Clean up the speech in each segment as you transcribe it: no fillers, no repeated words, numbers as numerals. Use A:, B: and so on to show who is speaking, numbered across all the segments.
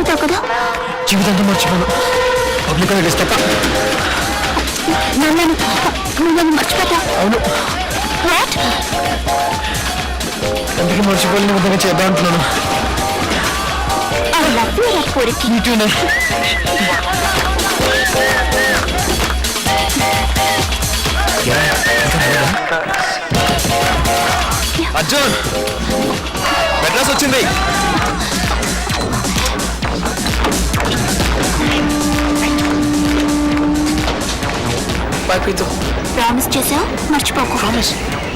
A: మర్చిపోతావు కదా?
B: జీవితంతో మర్చిపోను. పబ్లిక్ హాలిడేస్ తప్ప.
A: నన్ను మర్చిపోతావు?
B: అవును.
A: వాట్?
B: అందుకే మర్చిపోలేని విధంగా చేద్దాం అంటున్నాను.
A: I love you, Rakuri.
B: Me too, Arjun, Madras వచ్చింది.
A: ప్రామిస్ చేసావు, మర్చిపోకు.
B: ప్రామిస్.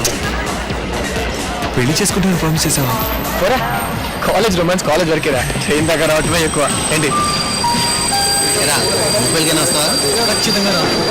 B: పెళ్లి చేసుకుంటాను ప్రామిస్ చేసావా? పోరా, కాలేజ్ రొమాన్స్ కాలేజ్ వరకేరా. ట్రైన్ దాకా రావటమే ఎక్కువ. ఏంటి
C: వస్తావా?
B: ఖచ్చితంగా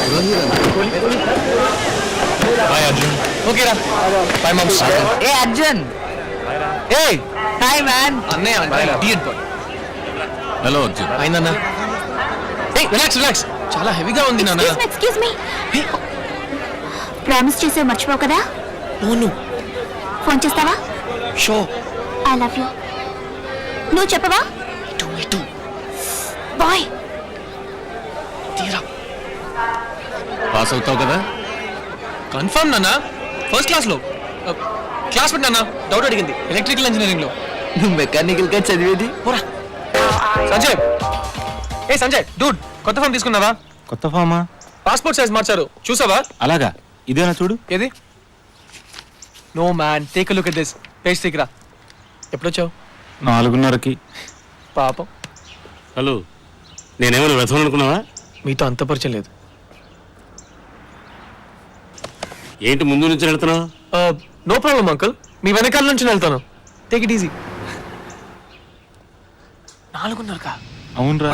B: బాయ్ అర్జున్. ఓకేరా బాయ్ మామ్స్.
C: ఏ అర్జున్.
B: ఏ
C: హాయ్ మ్యాన్.
B: అన్నయ్య
D: హలో అర్జున్.
B: అయిందన్నా. Relax relax. చాలా హెవీగా ఉంది నాన్న.
A: Excuse me. ప్రామిస్ చేసావు, మర్చిపోవు కదా?
B: అవును.
A: ఫోన్ చేస్తావా?
B: షో.
A: I love you. నువ్వు చెప్పవా? బాయ్.
D: పాస్ అవుతావు కదా?
B: కన్ఫర్మ్ నాన్న. ఫస్ట్ క్లాస్ లో క్లాస్మేట్ నాన్న. డౌట్ అడిగింది ఎలక్ట్రికల్ ఇంజనీరింగ్ లో.
C: నువ్వు మెకానికల్ గా చదివేది?
B: పోరా. సంజయ్, ఏ సంజయ్ డూడ్, కొత్త ఫామ్ తీసుకున్నావా?
D: కొత్త ఫామా?
B: పాస్పోర్ట్ సైజ్ మార్చారు, చూసావా?
D: అలాగా, ఇదేనా చూడు.
B: ఏది? No man, take a look at this. Page తీకరా. ఎప్పుడొచ్చావు?
D: 4:30కి.
B: పాపం.
D: హలో, నేనేమైనా వ్యర్థం అనుకున్నావా?
B: మీతో అంత పరిచయం లేదు.
D: ఏంటి ముందు నుంచి వెళ్తున్నావు?
B: నో ప్రాబ్లం అంకుల్, మీ వెనకాల నుంచి వెళ్తాను. Take it easy. 4:30కా?
D: అవునరా.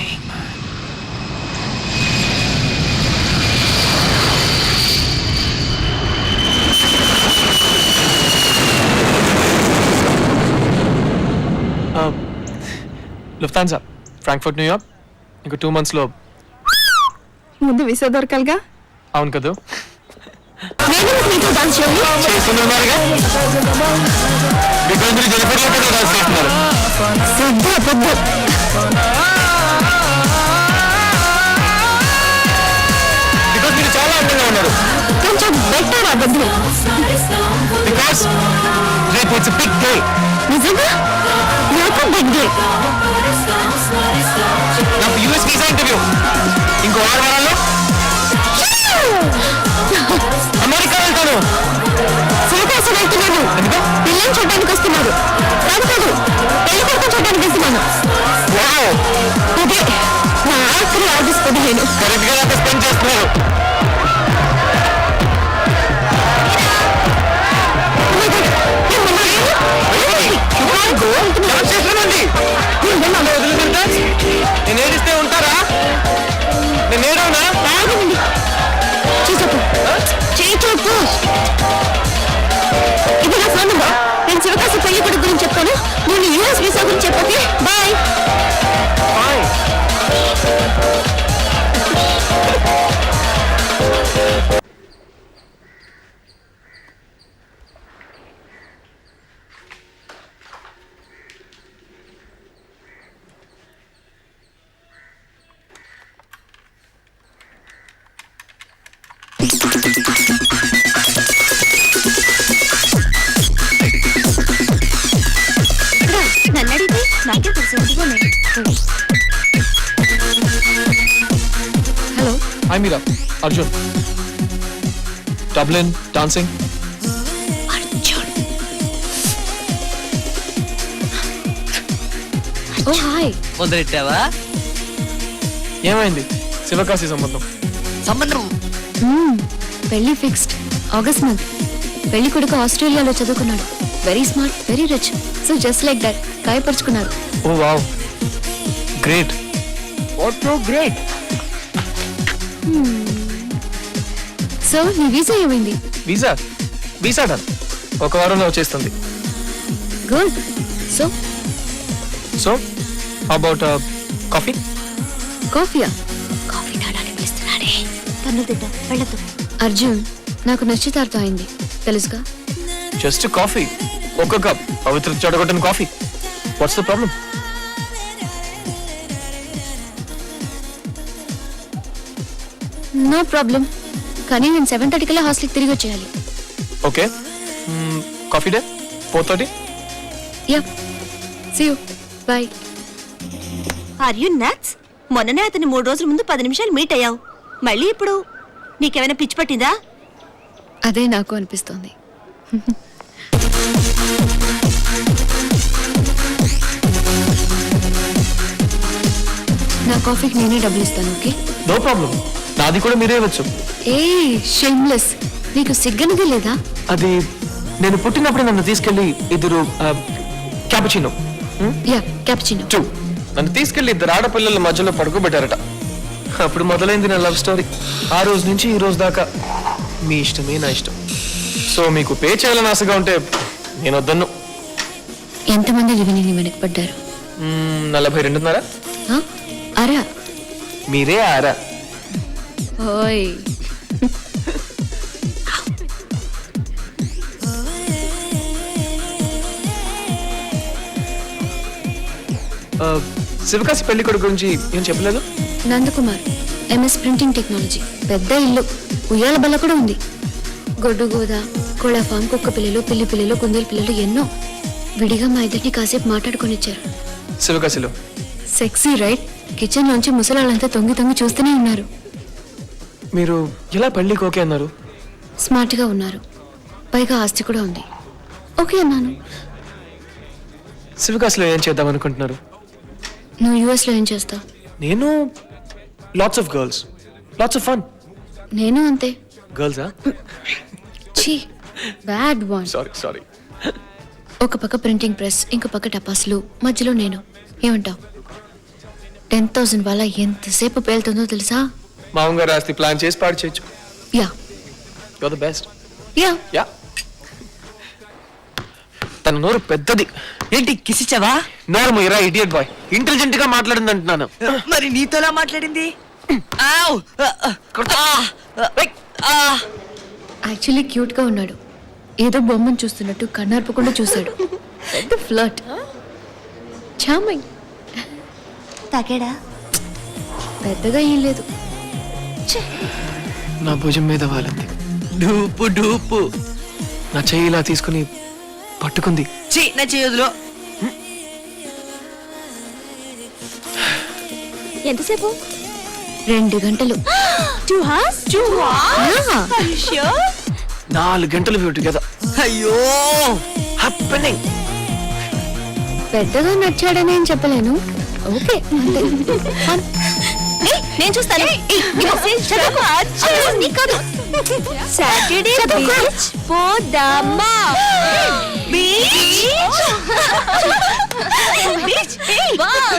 B: Lufthansa, Frankfurt, New York. ఇంకో 2 months లో.
A: ముందు వీసా దొరకాలిగా.
B: అవును కదా.
D: చేస్తున్నారుగా. బికాజ్ మీరు జనపడిలో కూడా రాసేస్తున్నారు. బికాజ్ మీరు చాలా అందంగా ఉన్నారు.
A: కొంచెం బెటర్ అవ్వద్దు.
D: బికాజ్ రేపు ఇట్స్ బిగ్ డే.
A: నిజంగా నాకు బిగ్ డే.
D: నాకు యూఎస్ వీసా ఇంటర్వ్యూ ఇంకో 6 వారాల్లో. అమెరికా వెళ్తాను.
A: శివకాశి వెళ్తున్నాను. పిల్లల్ని చూడడానికి వస్తున్నారు. కాదు కాదు, పెళ్లి కొడుకు చూడడానికి వెళ్తున్నాను. ఇదే నా ఆఖరి ఆగస్ట్ 15.
D: కరెక్ట్ గా నాకు స్పెండ్ చేస్తున్నారు. నేను ఏడిస్తే ఉంటారా? నేను ఏడవునా?
A: చూసొప్పు, చేయి చూపు. ఇది నా ఫోన్ నెంబర్. నేను శివకాశి పెళ్లి కొడుకు గురించి చెప్తాను. నేను యూఎస్ వీసా గురించి చెప్పకే. బాయ్. నన్ను అడిగితే నాకే తెలుసు. Hello.
B: Hi Meera. Arjun. Dublin dancing.
A: Oh hi.
C: మొదలెట్టావా?
B: ఏమైంది? శివకాశి సంబంధం.
A: పెళ్లి ఫిక్స్డ్. August month. పెళ్లి కొడుకు ఆస్ట్రేలియాలో చదువుకున్నాడు. Very smart, very rich. So just like that గాయపరుచుకున్నారు.
B: Oh wow, great.
C: What so great.
A: So నీ వీసా ఏమైంది?
B: Visa visa done. 1 వారంలో వచ్చేస్తుంది.
A: Good. So
B: so about coffee.
A: కాఫీయా? కాఫీ తాడానికి పిలుస్తున్నాడే. తన్ను తింటా, వెళ్ళదు. అర్జున్, నాకు నిశ్చితార్థం అయింది, తెలుసుగా.
B: జస్ట్ కాఫీ, 1 కప్ పవిత్ర చెడగొట్టిన coffee. What's the problem?
A: No problem, కానీ నేను 7:30 కల్లా హాస్టల్కి తిరిగి వచ్చేయాలి.
B: Okay, coffee day 4:30.
A: Yeah, see you, bye.
E: Are you nuts? మొన్ననే అతని 3 రోజుల ముందు 10 నిమిషాలు మీట్ అయ్యావు, మళ్ళీ ఇప్పుడు నీకేమైనా పిచ్చి పట్టిందా?
A: అదే నాకు అనిపిస్తోంది. నా కాఫీకి నేనే డబ్బులు ఇస్తాను, ఓకే?
B: నో ప్రాబ్లం, నాది కూడా మీరే ఇవ్వచ్చు.
A: ఏ షేమ్లెస్, నీకు సిగ్గనది లేదా?
B: అది నేను పుట్టినప్పుడు నన్ను తీసుకెళ్లి ఇద్దరు క్యాపుచినో
A: యా, క్యాపుచినో.
B: 2 నన్ను తీసుకెళ్లి ఇద్దరు ఆడపిల్లల మధ్యలో పడుకోబెట్టారట. అప్పుడు మొదలైంది నా లవ్ స్టోరీ. ఆ రోజు నుంచి ఈ రోజు దాకా మీ ఇష్టమే నా ఇష్టం. సో మీకు పే చేయాలని ఆశగా ఉంటే నేను వద్దన్ను.
A: ఎంతమంది విని వెనకపడ్డారు?
B: 42.5.
A: ఆ? అరా
B: మీరే ఆరా.
A: ఓయ్,
B: శివకాశి పెళ్లి కొడుకు గురించి ఏం చెప్పలేదు?
A: నందకుమార్, ఎంఎస్ ప్రింటింగ్ టెక్నాలజీ, పెద్ద ఇల్లు, ఉయ్యాల బల్ల కూడా ఉంది. గొడ్డు గోద, కోళ్ళ ఫామ్, కుక్క పిల్లలు, పిల్లి పిల్లలు, కుందేలు పిల్లలు ఎన్నో. విడిగా మా ఇద్దరిని కాసేపు మాట్లాడుకొని ఇచ్చారు.
B: శివకాశిలో
A: సెక్సీ రైట్? కిచెన్ నుంచి ముసలాళ్ళంతా తొంగి తొంగి చూస్తూనే ఉన్నారు.
B: మీరు ఎలా పెళ్లికి ఓకే అన్నారు?
A: స్మార్ట్ గా ఉన్నారు, పైగా ఆస్తి కూడా ఉంది. ఓకే అన్నాను.
B: శివకాశిలో ఏం చేద్దాం అనుకుంటున్నారు?
A: నువ్వు యుఎస్ లో ఏం చేస్తావు?
B: నేను lots of girls, lots of fun.
A: నేను అంతే.
B: గర్ల్సా?
A: ఛీ, బ్యాడ్ వన్.
B: సారీ.
A: ఒక పక్క ప్రింటింగ్ ప్రెస్, ఇంకో పక్క టపాసులు, మధ్యలో నేను. ఏమంటావు? 10,000 వాళ్ళ ఎంతసేపు పేలుతుందో తెలుసా?
B: మామగారు ఆస్తి ప్లాన్ చేసి పాడు చేయొచ్చు.
A: Yeah
B: you are the best.
A: Yeah.
B: తన నోరు పెద్దది.
C: ఏంటి కిసిచ్చావా?
B: నోరు మీరా ఇడియట్ బాయ్. ఇంటెలిజెంట్ గా మాట్లాడింది అంటున్నాను.
C: మరి నీతోలా మాట్లాడింది? ఆవ్!
A: యాక్చువల్లీ క్యూట్ గా ఉన్నాడు. ఏదో బొమ్మను చూస్తున్నట్టు కన్నార్పకుండా చూశాడు. పెద్ద ఫ్లర్ట్. చామింగ్.
E: తాగాడా?
A: పెద్దగా ఏం లేదు.
B: నా భుజం మీద వాలింది.
C: డూపు డూపు.
B: నా చెయ్యి ఇలా తీసుకుని పట్టుకుంది.
C: నా చేయదులో.
E: ఎంతసేపు?
A: 2 గంటలు.
E: 2 hours? 2 hours?
A: Yeah.
E: Are you sure?
B: 4 గంటలు వ్యూ టుగెదర్.
C: అయ్యో
B: హ్యాపెనింగ్.
A: పెద్దగా నచ్చాడని ఏం చెప్పలేను. ఓకే అంతే.
E: నేను చూస్తాను. సాటర్డే బీచ్ పోదామా? బీచ్